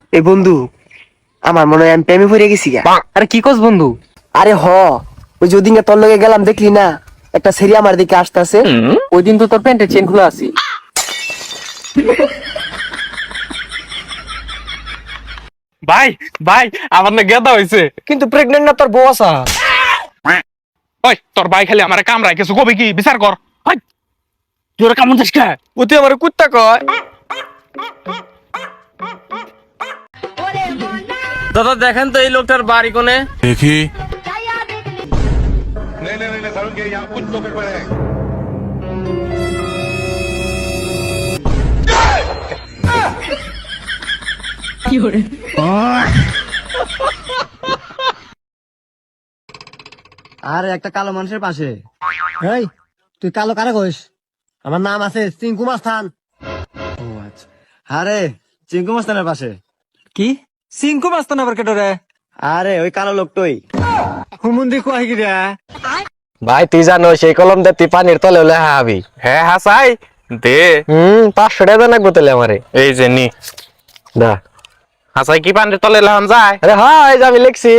এই বন্ধু, আমার মনে হয় আমি প্রেমে পড়ে গেছি গা। আরে কি কস বন্ধু? আরে ওই যে ওদিনকে তোর লগে গেলাম দেখলি না, একটা সেরি আমার দিকে আসতেছে। ওই দিন তো তোর প্যান্টের চেন খোলা আছে। ভাই ভাই আমার না গেদা হইছে। কিন্তু প্রেগনেন্ট না তোর বউ আসা? ওই তোর ভাই খালি আমারে কামড়ায় কিছু কবি কি বিচার কর। হাই তুই ওরা কামড় দিস কে? ও তুই আমার কুত্তা কয়। দাদা দেখেন তো এই লোকটার বাড়ি কোনে। देखी नहीं नहीं नहीं सारुण के यहाँ कुछ तो गड़बड़ है। আর একটা কালো মানুষের পাশে। এই তুই কালো কারে কইস? আমার নাম আছে চিঙ্কু মাস্তান। ও আচ্ছা, আরে চিঙ্কু মাস্তানের পাশে। কি সিংকু মাস্তান আবার কেটো রে? আরে ওই কালো লোকটাই। হুমুন্দি কয় কি রে? ভাই তুই জানো সেই কলম দিয়ে তুই পানির তলে হলে হাবি। হ্যাঁ হাসাই দে 500 টাকা লাগবো তাহলে আমারে। এই যে নি দা হাসাই কি পান্ডে তলে লাহান যায়। আরে হ্যাঁ এই যে আমি লিখছি।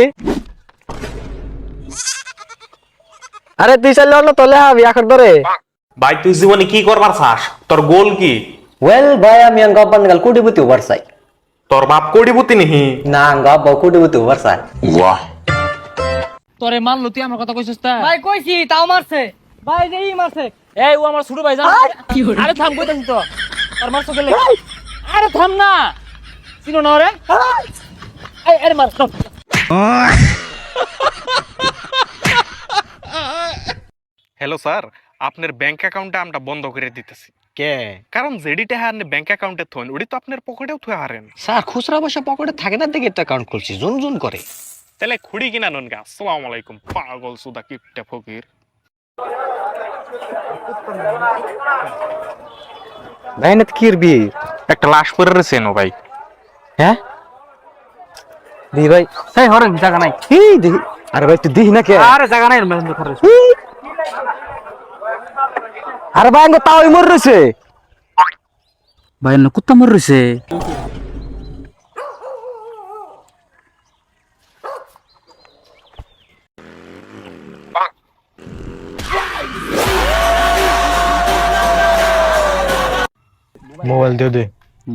আরে তুই চাইলে অন্য তলে হাবি এখন ধরে। ভাই তুই জীবনে কি করবার চাস? তোর গোল কি? ওয়েল ভাই আমি আঙ্গা পানগাল কোটিপতি ওভার চাই। তোর বাপ কোটিপতি নিহি? না আঙ্গা বাবা কোটিপতি ওভার চাই। তোরে মারলো তুই আমার কথা কইছিস তা? ভাই কইছি তাও মারছে ভাই যে ই মারছে। এই ও আমার ছোট ভাই জান। আরে থাম কইতাছিস তো। তোর মারছো গেলে। আরে থাম না। চিনো না রে? এই আরে মার। হ্যালো স্যার, আপনার ব্যাংক অ্যাকাউন্টে আমরা বন্ধ করে দিতেছি। কে কারণ যেডি টাকা আপনি ব্যাংক অ্যাকাউন্টে থইন ওডি তো আপনার পকেটেও থুয়ে হারেন। স্যার খুচরা পয়সা পকেটে থাকে না দেখে তো অ্যাকাউন্ট খুলছি জুন জুন করে। তাহলে খুড়ি কিনা নন গা। আসসালামু আলাইকুম পাগল সুদা কিপটা ফকির। ভাই না কি করবি? একটা লাশ পরে রয়েছেন ও ভাই। হ্যাঁ দি ভাই। এই হরেন জায়গা নাই। এই দেখি। আরে ভাই তুই দিহি না কে? আরে জায়গা নাই মেহেন্দ্র খারে। আরে ভাই আঙ্গা তাও মর রইছে। ভাই না কুত্তা মর রইছে। মোবাইল দিয়ে দে।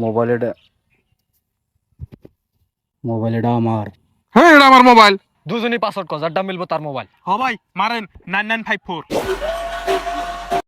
মোবাইলটা আমার। হ্যাঁ এটা আমার মোবাইল। দুজনই পাসওয়ার্ড কর যারটা মিলবো তার মোবাইল। হ ভাই মারেন 9954।